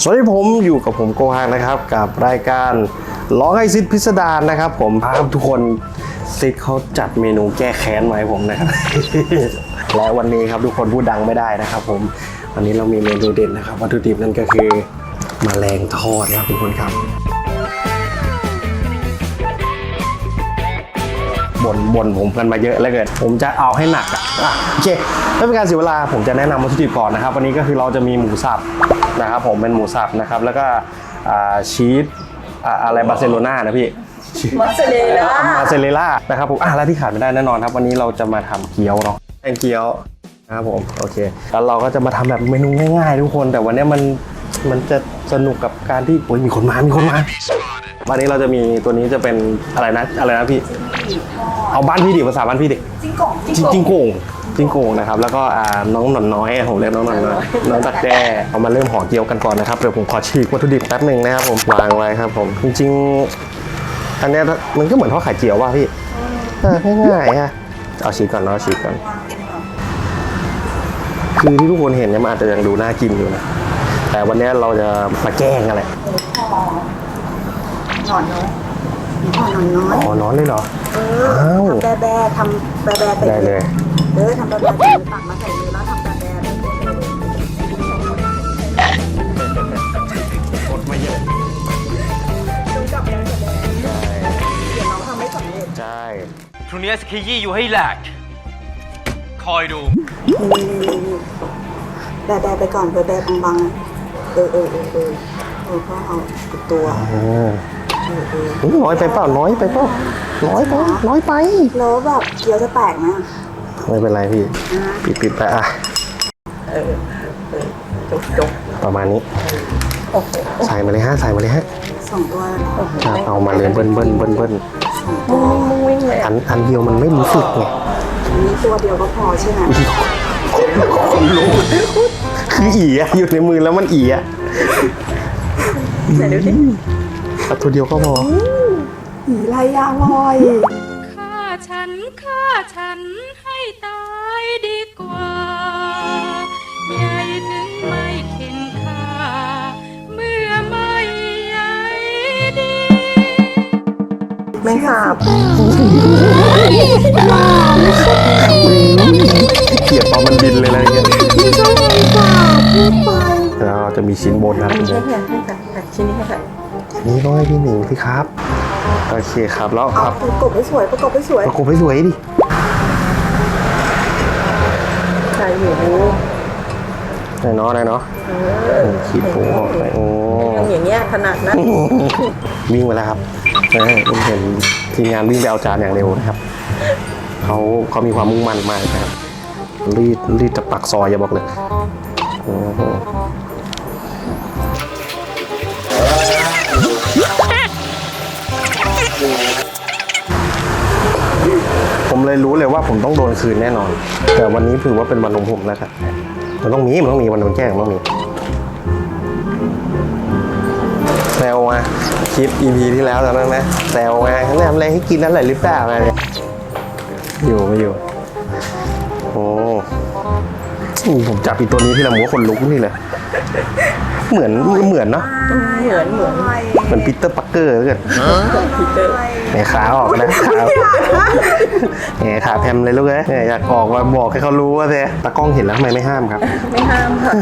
สวัสดีผมอยู่กับผมโกฮังนะครับกับรายการร้องให้ซิดพิสดารนะครับผมพาทุกคนซิดเขาจัดเมนูแก้แค้นมาให้ผมนะครับ และวันนี้ครับทุกคนพูดดังไม่ได้นะครับผมวันนี้เรามีเมนูเด่นนะครับวัตถุดิบนั่นก็คือแมลงทอดครับทุกคนครับบ่นผมกันมาเยอะแล้วเกิดผมจะเอาให้หนักโอเคไม่เป็นการเสียเวลาผมจะแนะนำวัตถุดิบก่อนนะครับวันนี้ก็คือเราจะมีหมูสับนะครับผมเป็นหมูสับนะครับแล้วก็ชีสอะไรบาร์เซโลนานะพี่มาเซเลล่านะครับผมแล้วที่ขาดไม่ได้แน่นอนครับวันนี้เราจะมาทำเกี๊ยวเนาะแกงเกี๊ยวนะครับผมโอเคแล้วเราก็จะมาทำแบบเมนูง่ายๆทุกคนแต่วันนี้มันจะสนุกกับการที่มีคนมาวันนี้เราจะมีตัวนี้จะเป็นอะไรนะพี่เอาบ้านพี่ดิภาษาบ้านพี่ดิจิงโก่งนะครับแล้วก็น้องหนอนน้อยผมเรียกน้องหนอนน้อยน้องตักแด้เอามาเริ่มห่อเกี๊ยวกันก่อนนะครับเดี๋ยวผมขอฉีกวัตถุดิบแป๊บหนึ่งนะครับผมวางไว้ครับผมจริงๆอันนี้มันก็เหมือนทอดไข่เจียวว่ะพี่ง่ายๆฮะเอาฉีกก่อนคือที่ทุกคนเห็นเนี่ยมันอาจจะยังดูน่ากินอยู่นะแต่วันนี้เราจะมาแกล้งอะไรหนอนน้อยอ๋อนอนเลยเหรอทำแบะทำแบะได้เลยทำแบะตักมาใส่มือแล้วทำแบะกดมาเยอะดูจับแบะเดี๋ยวน้องทำไม่สำเร็จใช่ทุนนี้สกียี่อยู่ให้แหลกคอยดูแบะไปก่อนแบะบางๆก็เอาตัวน้อยไปเปล่าน้อยไปแล้วแบบเกี๊ยวจะแตกนะไม่เป็นไรพี่ปิดไปจบประมาณนี้ใส่มาเลยฮะ 2 ตัวครับเอามาเลยเบิ้ลวิ่งเลยอันเดียวมันไม่รู้สึกไงนี่ตัวเดียวก็พอใช่ไหมคนรู้คืออยู่ในมือแล้วมันไหนดูดิตัวเดียวก็พอลายยางลอยฆ่าฉันให้ตายดีกว่าใหญ่ถึงไม่เข็นค่าเมื่อไม่ใหญ่ดีไม่หาบเกลียดตอนมันบินเลยอะไรเงี้ยไม่ชอบเลยค่ะพูดไปแล้วจะมีชิ้นบนนะชิ้นนี้ค่ะนี่ต้องให้พี่หนิงสิครับโอเคครับแล้วครับประกบให้สวยดิใส่หมูได้เนาะขีดปูออกไปอย่างเงี้ยถนัดนะวิ่งไปแล้วครับผมเห็นทีมงานวิ่งไปเอาจานอย่างเร็วนะครับเขามีความมุ่งมั่นมากนะครับรีดจะปักซอยอย่าบอกเลยผมเลยรู้เลยว่าผมต้องโดนคืนแน่นอนแต่วันนี้ถือว่าเป็นวันของผมแล้วครับมันต้องมีวันโดนแกล้งต้องมีแซวมาคลิป EP ที่แล้วตอนนั้นนะแซวมาเขาทำอะไรให้กินนั่นแหละหรือเปล่าอะไรเนี่ยอยู่โอ้ผมจับอีตัวนี้ที่ละหัวคนลุกนี่เลยเหมือนเนาะเหมือนปีเตอร์ปักเกอร์เลยเนี่ยขาออกนะเนี่ยขาแพมเลยลูกเอ้ยเนี่ยอยากออกมาบอกให้เขารู้ว่าเธอตากล้องเห็นแล้วทำไมไม่ห้ามครับไม่ห้ามค่ะ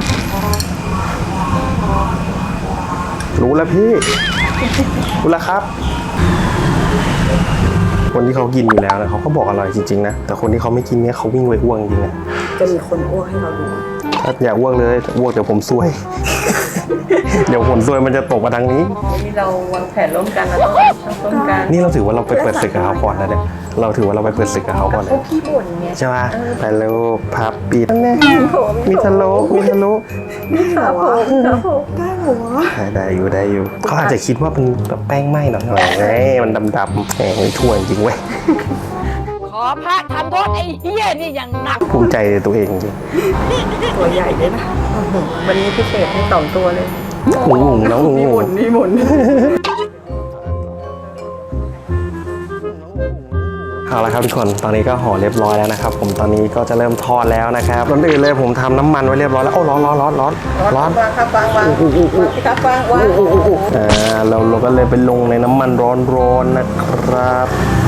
รู้แล้วพี่รู้แล้วครับคนที่เขากินอยู่แล้วนะเขาก็บอกอร่อยจริงๆนะแต่คนที่เขาไม่กินเนี่ยเขาวิ่งไปอ้วกจริงนะจะมีคนอ้วกให้เราดูถ้าอยากอ้วกเลยอ้วกเดี๋ยวผมซวยเดี๋ยวผลซวยมันจะตกมาทางนี้นี่เราวางแผนร่วมกันเราต้องกันนี่เราถือว่าเราไปเปิดศึกกับเขาก่อนนะเนี่ยเราถือว่าเราไปเปิดศึกกับเขาก่อนเลยพี่บ่นเนี่ยใช่ไหมไปเร็วพับปิดมีทะลุนี่ขาผมได้หัวได้อยู่เขาอาจจะคิดว่าเป็นแบบแป้งไหม้หน่อยไงมันดำๆแหมทั่วจริงเว้ยขอพระทำโทษไอ้เหี้ยนี่อย่างหนักภูมิใจตัวเองจริงตัวใหญ่เลยนะวันนี้พิเศษให้2 ตัวเลยน้องมีหมุนเอาละครับทุกคนตอนนี้ก็ห่อเรียบร้อยแล้วนะครับผมตอนนี้ก็จะเริ่มทอดแล้วนะครับก่อนอื่นเลยผมทำน้ำมันไว้เรียบร้อยแล้วโอ้ร้อนร้อนวางครับวางครับวางเราก็เลยไปลงในน้ำมันร้อนๆนะครับ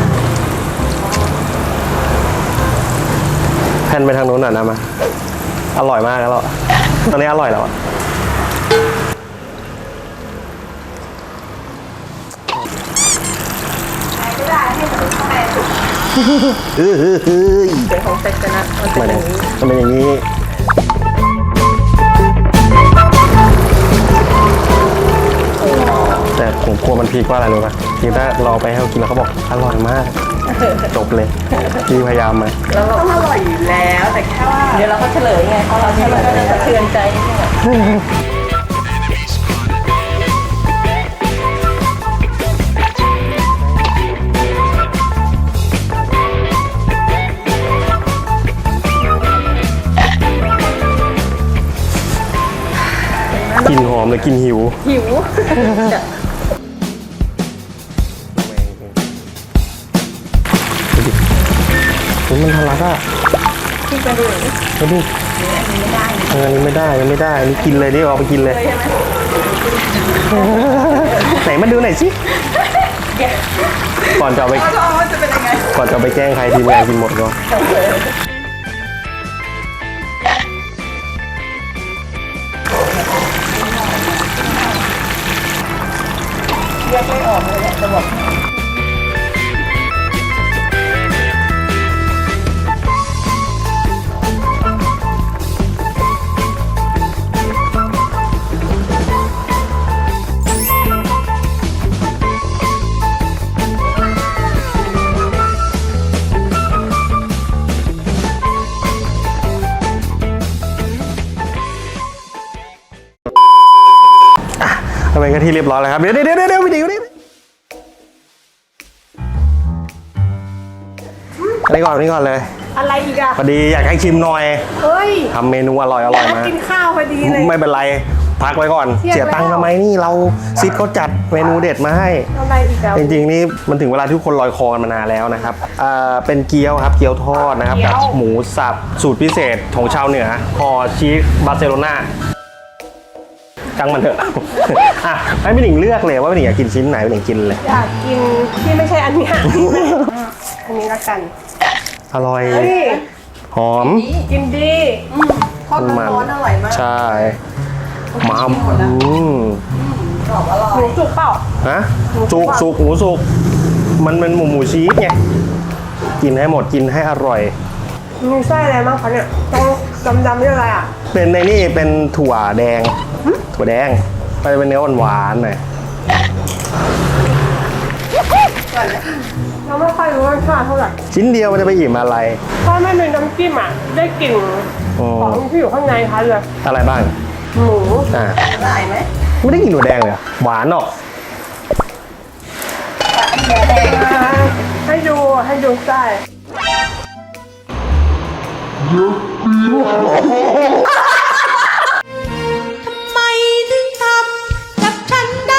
แผ่นไปทางนู้นหน่อยนะมาอร่อยมากแล้วตอนนี้อร่อยแล้วไม่ได้ให้มันข้างในสุก เป็นของเซ็กกันนะมันเป็นอย่างนี้มันเป็นอย่างนี้แต่ผมกลัวมันพีกว่าอะไรรู้ป่ะทีถ้าเราไปให้เขากินแล้วเขาบอกอร่อยมากจบเลยพี่พยายามมาแล้วเราต้องอร่อยอยู่แล้วแต่แค่ว่าเดี๋ยวเราก็เฉลยไงเพราะเราเฉลยก็จะสะเทือนใจนิดนึงกลินหอมเลยกลินหิวหิวมันทะลักอ่ะที่กระดูกมาดูอันนี้ไม่ได้อันนี้ไม่ได้อันนี้กินเลยดิเอาไปกินเลยใช่ไหมไหนมาดูหน่อยสิก่อนจะเอาไปท้องมันจะเป็นยังไงก่อนจะเอาไปแกล้งใครทีมงานกินหมดก่อนเรียกไม่ออกเลยเนี่ยจะบอกเอาไปก็ที่เรียบร้อยแล้วครับเดี๋ยววิดีโอนี้อันนี้ก่อนเลยอะไรอีกอะพอดีอยากให้ชิมหน่อยเฮ้ยทำเมนูอร่อยมากินข้าวพอดีเลยไม่เป็นไรพักไว้ก่อนเที่ยงเสียตังค์แล้วทำไมนี่เราซิดเขาจัดเมนูเด็ดมาให้อะไรอีกอะจริงๆนี่มันถึงเวลาที่ทุกคนลอยคอกันมานานแล้วนะครับเป็นเกี๊ยวครับเกี๊ยวทอดนะครับกับหมูสับสูตรพิเศษของชาวเหนือห่อชีสบาร์เซโลนาจังมันเถอะ อ่ะให้พี่หนิงเลือกเลยว่าพี่หนิงอยากกินชิ้นไหนพี่หนิงกินเลยอยากกินที่ไม่ใช่อันเนี้ยอันนี้ละกันอร่อยเฮ้ยหอมกินดีทอดร้อนอร่อยมากใช่มาหมูหมูจุกเปล่าฮะสุกหมูสุกมันเป็นหมูชีสไงกินให้หมดกินให้อร่อยมีไส้อะไรบ้างคะเนี่ยต้องดำๆนี่อะไรอ่ะเป็นในนี่เป็นถั่วแดงมันจะเป็นเนื้อหวานๆหน่อยเราไม่ค่อยรู้รสชาติเท่าไหร่ชิ้นเดียวมันจะไปอิ่มอะไรถ้าไม่มีน้ำจิ้มอ่ะได้กลิ่นของที่อยู่ข้างในคะเลยอะไรบ้างหมูอ่าได้ไหมไม่ได้กินถั่วแดงเลยเหรอหวานเนาะให้ดูไส้ไม่ถึงทำกับฉันได้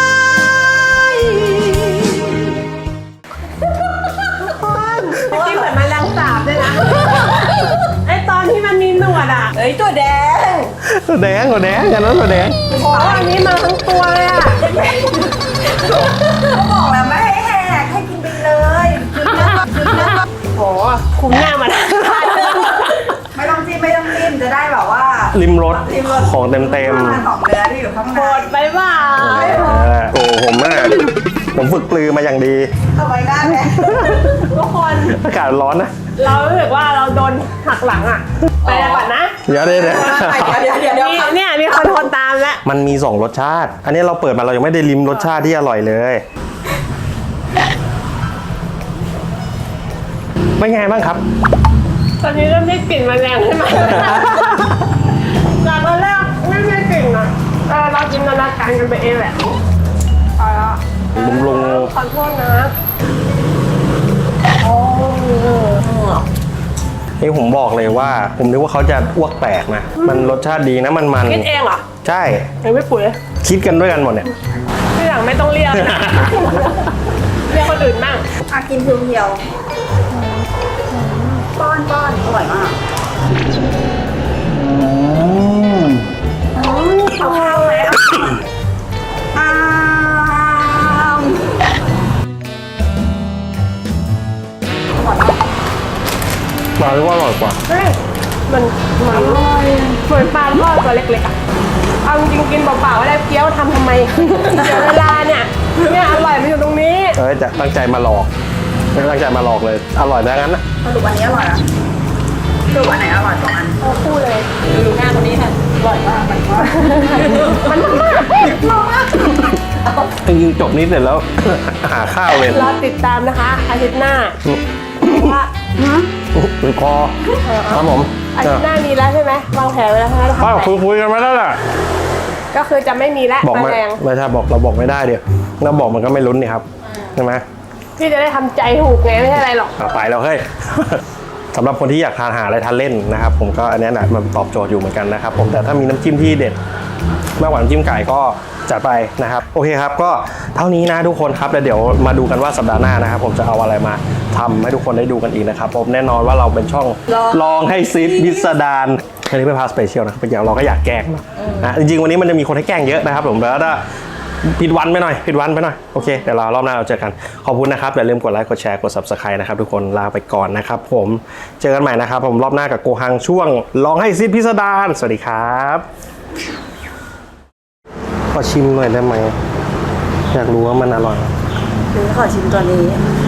ที่เหมือนแมลงสาบด้วยนะไอตอนที่มันมีหนวดอ่ะเอ้ยตัวแดงถั่วแดงกันนั้นถั่วแดงโอ้อันนี้มาทั้งตัวเลยอ่ะเขาบอกแล้วไม่ให้แหกให้กินไปเลยโอ้คุ้มหน้ามันไม่ต้องจิ้มจะได้แบบว่าริมรสของเต็มของเนื้อที่อยู่ข้างในโหดไปเปล่าโอ้ผมน่ะผมฝึกปลือมาอย่างดีทำไมหน้าแดงทุกคนอากาศร้อนนะเรารู้สึกว่าเราโดนหักหลังอ่ะไปแล้วก่อนนะเดี๋ยวเดี๋ยวเนี่ยมีคนตามแล้วมันมี2รสชาติ อันนี้เราเปิดมาเรายังไม่ได้ลิ้มรสชาติที่อร่อยเลยเป็นไงบ้างครับตอนนี้เริ่มได้กลิ่นแมลงใช่ไหมจากตอนแรกไม่ได้กลิ่นอ่ะเราจินตนาการกันไปเองแหละเอาละลุงขอโทษนะโอ้นี่ผมบอกเลยว่า ผมนึกว่าเขาจะอ้วกแตกนะ มันรสชาติดีนะมันคิดเองเหรอใช่ยังไม่ปุ๋ยคิดกันด้วยกันหมดเนี่ยที่หลังไม่ต้องเรียกนะเรียกคนอื่นบ้างกินเพียวป้อนอร่อยมากเอาข้าวแล้วอ้าวปลาเรียกว่าอร่อยกว่าเฮ้ยมันเหมือนปลาทอดตัวเล็กๆอ่ะเอาจริงๆกินเปล่าๆไม่ได้เกี๊ยวทำไมเสียเวลาเนี่ยอร่อยมันอยู่ตรงนี้จะตั้งใจมาหลอกไม่ตั้งใจมาหลอกเลย อร่อยได้งั้นนะสรุปอันนี้อร่อยนะสรุปอันไหนอร่อยกว่าอันเอาคู่เลยดูหน้าคนนี้ค่ะอร่อยมากมันว่ามันมากจริงๆจบนี้เสร็จแล้ว หาข้าวเลยรอติดตามนะคะอาทิตย์หน้าว่าหรือคอครับผมอาทิตย์หน้ามีแล้วใช่ไหมวางแผนไว้แล้วใช่ไหมอ้าวคุยกันมาแล้วแหละก็คือจะไม่มีแล้วบอกมาไม่แรงไม่ใช่บอกเราบอกไม่ได้เดี๋ยวเราบอกมันก็ไม่ลุ้นนี่ครับใช่ไหมพี่จะได้ทำใจถูกไงไม่ใช่อะไรหรอกเอาไปแล้วเฮ้ย สำหรับคนที่อยากทานหาอะไรทานเล่นนะครับ ผมก็อันนี้นะมันตอบโจทย์อยู่เหมือนกันนะครับผมแต่ถ้ามีน้ำจิ้มที่เด็ดมากกว่าน้ำจิ้มไก่ก็จัดไปนะครับโอเคครับก็เท่านี้นะทุกคนครับแล้วเดี๋ยวมาดูกันว่าสัปดาห์หน้านะครับผมจะเอาอะไรมาทำให้ทุกคนได้ดูกันอีกนะครับผมแน่นอนว่าเราเป็นช่องลองให้ซิดพิสดารอันนี้เป็นพาสเปเชียลนะครับอย่างเราก็อยากแกล้งนะจริงๆวันนี้มันจะมีคนให้แกล้งเยอะนะครับผมแล้วถ้าผิดวันไปหน่อยโอเคเดี๋ยวรอบหน้าเราเจอกันขอบคุณนะครับอย่าลืมกดไลค์กดแชร์กด Subscribe นะครับทุกคนลาไปก่อนนะครับผมเจอกันใหม่นะครับผมรอบหน้ากับโกฮังช่วงลองให้ซิดพิสดารสวัสดีครับขอชิมหน่อยได้ไหมอยากรู้ว่ามันอร่อยขอชิมตัวนี้